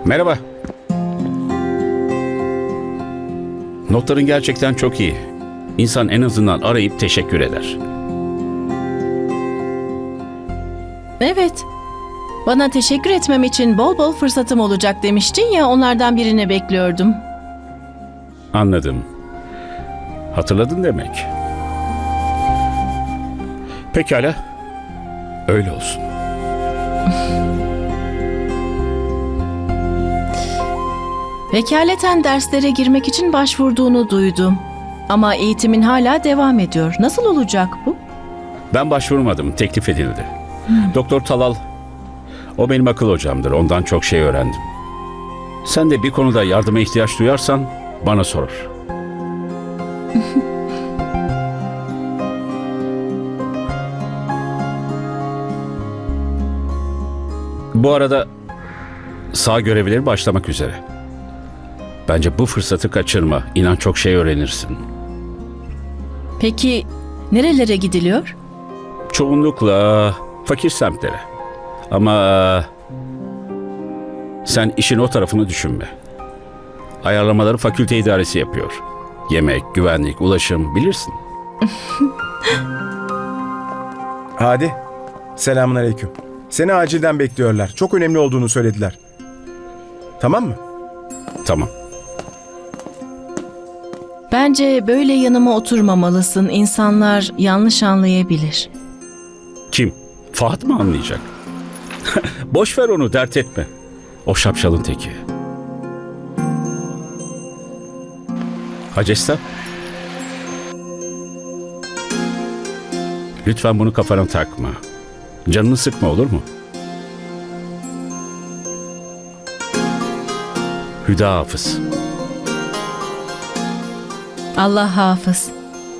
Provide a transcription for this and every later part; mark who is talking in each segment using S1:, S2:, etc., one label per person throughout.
S1: Merhaba. Notların gerçekten çok iyi. İnsan en azından arayıp teşekkür eder.
S2: Evet. Bana teşekkür etmem için bol bol fırsatım olacak demiştin ya, onlardan birini bekliyordum.
S1: Anladım. Hatırladın demek. Pekala. Öyle olsun.
S2: Vekaleten derslere girmek için başvurduğunu duydum. Ama eğitimin hala devam ediyor. Nasıl olacak bu?
S1: Ben başvurmadım. Teklif edildi. Doktor Talal, o benim akıl hocamdır. Ondan çok şey öğrendim. Sen de bir konuda yardıma ihtiyaç duyarsan bana sor. Bu arada sağ görevlileri başlamak üzere. Bence bu fırsatı kaçırma. İnan çok şey öğrenirsin.
S2: Peki nerelere gidiliyor?
S1: Çoğunlukla fakir semtlere. Ama sen işin o tarafını düşünme. Ayarlamaları fakülte idaresi yapıyor. Yemek, güvenlik, ulaşım bilirsin.
S3: Hadi. Selamünaleyküm. Seni acilden bekliyorlar. Çok önemli olduğunu söylediler. Tamam mı?
S1: Tamam.
S2: Bence böyle yanıma oturmamalısın. İnsanlar yanlış anlayabilir.
S1: Kim? Fahat mı anlayacak? Boş ver onu, dert etme. O şapşalın teki. Hacesta? Lütfen bunu kafana takma. Canını sıkma, olur mu? Hüda Hafız.
S2: Allah hafız.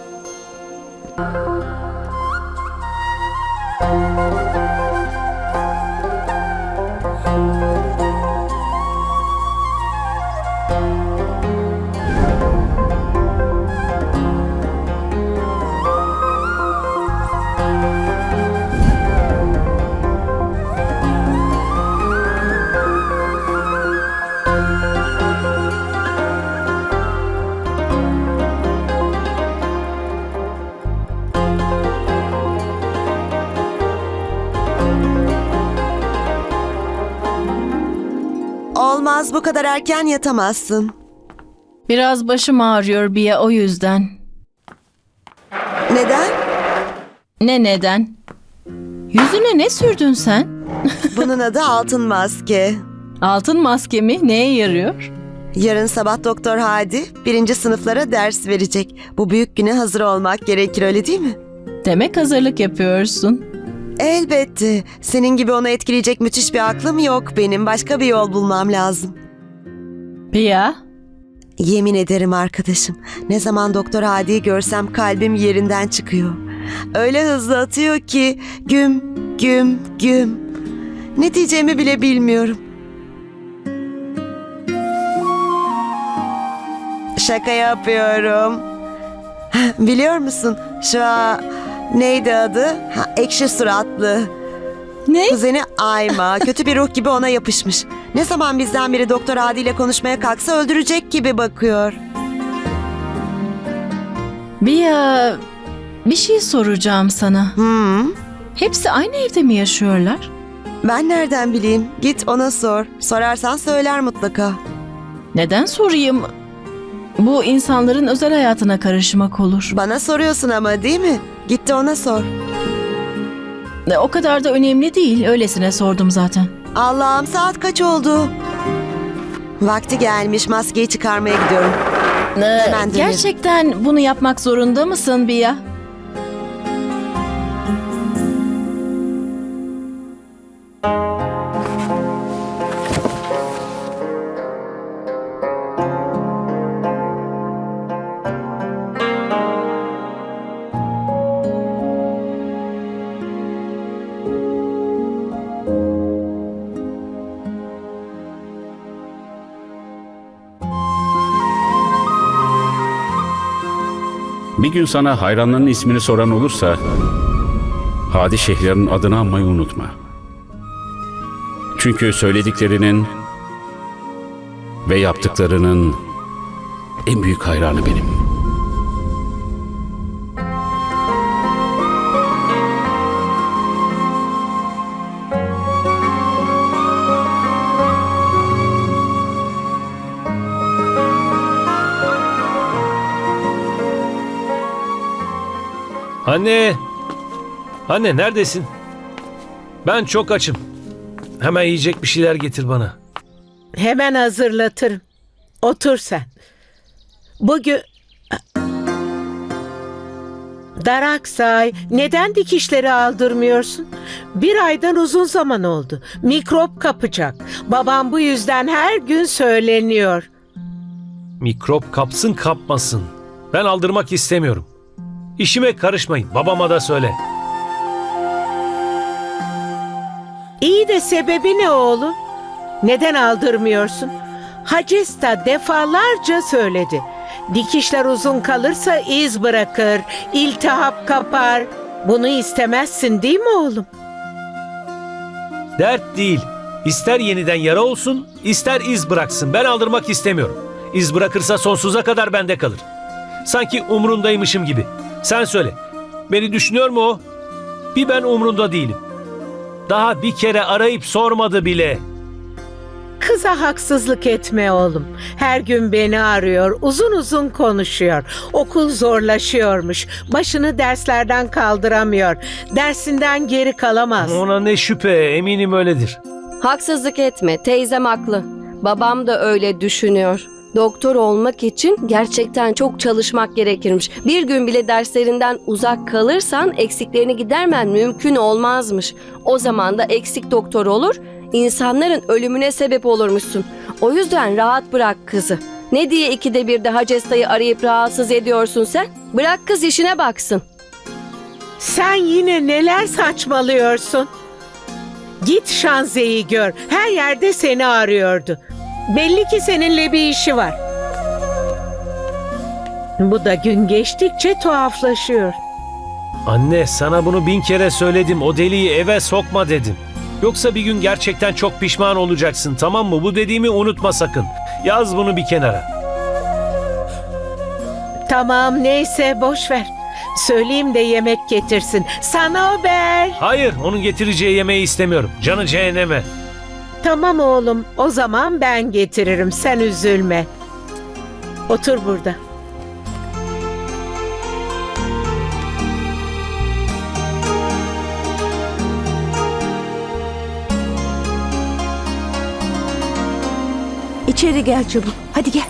S4: Olmaz, bu kadar erken yatamazsın.
S2: Biraz başım ağrıyor Biya, o yüzden.
S4: Neden?
S2: Ne neden? Yüzüne ne sürdün sen?
S4: Bunun adı altın maske.
S2: Altın maske mi? Neye yarıyor?
S4: Yarın sabah Doktor Hadi 1. sınıflara ders verecek. Bu büyük güne hazır olmak gerekir, öyle değil mi?
S2: Demek hazırlık yapıyorsun.
S4: Elbette. Senin gibi onu etkileyecek müthiş bir aklım yok benim. Başka bir yol bulmam lazım.
S2: Biya,
S4: Yemin ederim arkadaşım. Ne zaman Doktor Hadi'yi görsem kalbim yerinden çıkıyor. Öyle hızlı atıyor ki güm güm güm. Ne diyeceğimi bile bilmiyorum. Şaka yapıyorum. Biliyor musun neydi adı? Ekşi suratlı.
S2: ne?
S4: Kuzeni Ayma kötü bir ruh gibi ona yapışmış. Ne zaman bizden biri Doktor Adi ile konuşmaya kalksa öldürecek gibi bakıyor.
S2: Biya, bir şey soracağım sana. Hepsi aynı evde mi yaşıyorlar?
S4: Ben nereden bileyim? Git ona sor. Sorarsan söyler mutlaka.
S2: Neden sorayım? Bu insanların özel hayatına karışmak olur.
S4: Bana soruyorsun ama, değil mi? Git de ona sor.
S2: O kadar da önemli değil. Öylesine sordum zaten.
S4: Allah'ım, saat kaç oldu? Vakti gelmiş, maskeyi çıkarmaya gidiyorum. Hemen dönerim.
S2: Gerçekten bunu yapmak zorunda mısın Biya?
S1: Bir gün sana hayranlarının ismini soran olursa Hadi Şehriar'ın adını anmayı unutma. Çünkü söylediklerinin Ve yaptıklarının en büyük hayranı benim.
S5: Anne! Anne neredesin? Ben çok açım. Hemen yiyecek bir şeyler getir bana.
S6: Hemen hazırlatırım. Otur sen. Bugün... Daraksay, neden dikişleri aldırmıyorsun? Bir aydan uzun zaman oldu. Mikrop kapacak. Babam bu yüzden her gün söyleniyor.
S5: Mikrop kapsın kapmasın. Ben aldırmak istemiyorum. İşime karışmayın. Babama da söyle.
S6: İyi de sebebi ne oğlum? Neden aldırmıyorsun? Hacesta defalarca söyledi. Dikişler uzun kalırsa iz bırakır, iltihap kapar. Bunu istemezsin değil mi oğlum?
S5: Dert değil. İster yeniden yara olsun, ister iz bıraksın. Ben aldırmak istemiyorum. İz bırakırsa sonsuza kadar bende kalır. Sanki umrundaymışım gibi. Sen söyle. Beni düşünüyor mu o? Bir ben umrunda değilim. Daha bir kere arayıp sormadı bile.
S6: Kıza haksızlık etme oğlum. Her gün beni arıyor, uzun uzun konuşuyor. Okul zorlaşıyormuş. Başını derslerden kaldıramıyor. Dersinden geri kalamaz.
S5: Ona ne şüphe, eminim öyledir.
S7: Haksızlık etme, teyzem haklı. Babam da öyle düşünüyor. Doktor olmak için gerçekten çok çalışmak gerekirmiş. Bir gün bile derslerinden uzak kalırsan eksiklerini gidermen mümkün olmazmış. O zaman da eksik doktor olur, insanların ölümüne sebep olurmuşsun. O yüzden rahat bırak kızı. Ne diye ikide bir de Hacesta'yı arayıp rahatsız ediyorsun sen? Bırak kız işine baksın.
S6: Sen yine neler saçmalıyorsun? Git Şanze'yi gör. Her yerde seni arıyordu. Belli ki seninle bir işi var. Bu da gün geçtikçe tuhaflaşıyor.
S5: Anne, sana bunu 1000 kere söyledim. O deliği eve sokma dedim. Yoksa bir gün gerçekten çok pişman olacaksın, tamam mı? Bu dediğimi unutma sakın. Yaz bunu bir kenara.
S6: Tamam neyse boş ver. Söyleyeyim de yemek getirsin. Sana haber.
S5: Hayır, onun getireceği yemeği istemiyorum. Canı cehenneme.
S6: Tamam oğlum, o zaman ben getiririm. Sen üzülme. Otur burada.
S8: İçeri gel çabuk. Hadi gel.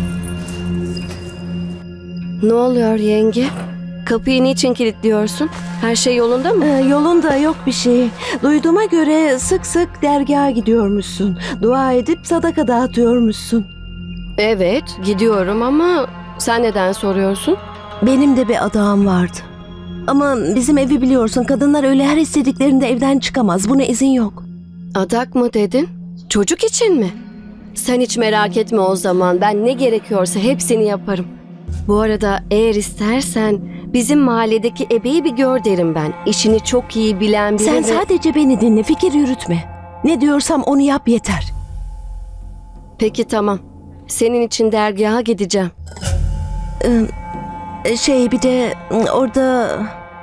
S7: Ne oluyor yenge? Kapıyı niçin kilitliyorsun? Her şey yolunda mı?
S8: Yolunda yok bir şey. Duyduğuma göre sık sık dergaha gidiyormuşsun. Dua edip sadaka dağıtıyormuşsun.
S7: Evet, gidiyorum ama sen neden soruyorsun?
S8: Benim de bir adağım vardı. Ama bizim evi biliyorsun, kadınlar öyle her istediklerinde evden çıkamaz. Buna izin yok.
S7: Adak mı dedin? Çocuk için mi? Sen hiç merak etme o zaman. Ben ne gerekiyorsa hepsini yaparım. Bu arada eğer istersen bizim mahalledeki ebeyi bir gör derim ben. İşini çok iyi bilen biri
S8: Sen
S7: ve...
S8: sadece beni dinle, fikir yürütme. Ne diyorsam onu yap yeter.
S7: Peki tamam. Senin için dergaha gideceğim.
S8: Bir de orada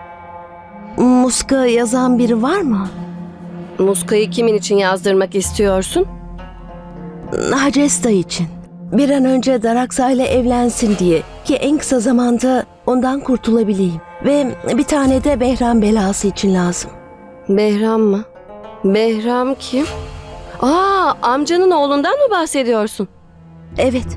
S8: muska yazan biri var mı?
S7: Muskayı kimin için yazdırmak istiyorsun?
S8: Hacesta için. Bir an önce Daraksa ile evlensin diye, ki en kısa zamanda ondan kurtulabileyim. Ve bir tane de Behram belası için lazım.
S7: Behram mı? Behram kim? Amcanın oğlundan mı bahsediyorsun?
S8: Evet.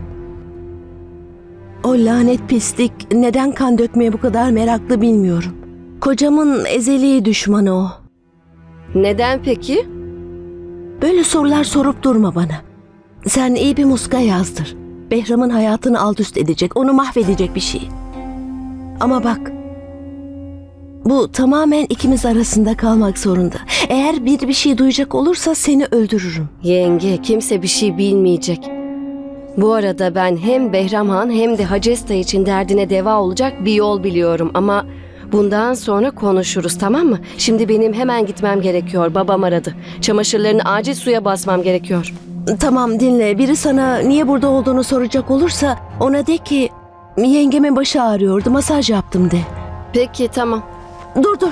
S8: O lanet pislik neden kan dökmeye bu kadar meraklı bilmiyorum. Kocamın ezeli düşmanı o.
S7: Neden peki?
S8: Böyle sorular sorup durma bana. Sen iyi bir muska yazdır. Behram'ın hayatını alt üst edecek, onu mahvedecek bir şey. Ama bak, bu tamamen ikimiz arasında kalmak zorunda. Eğer bir şey duyacak olursa seni öldürürüm.
S7: Yenge, kimse bir şey bilmeyecek. Bu arada ben hem Behram Han hem de Hacesta için derdine deva olacak bir yol biliyorum ama bundan sonra konuşuruz, tamam mı? Şimdi benim hemen gitmem gerekiyor. Babam aradı. Çamaşırlarını acil suya basmam gerekiyor.
S8: Tamam dinle. Biri sana niye burada olduğunu soracak olursa ona de ki yengemin başı ağrıyordu. Masaj yaptım de.
S7: Peki tamam.
S8: Dur.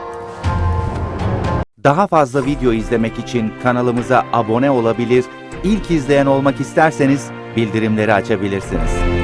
S9: Daha fazla video izlemek için kanalımıza abone olabilir, ilk izleyen olmak isterseniz bildirimleri açabilirsiniz.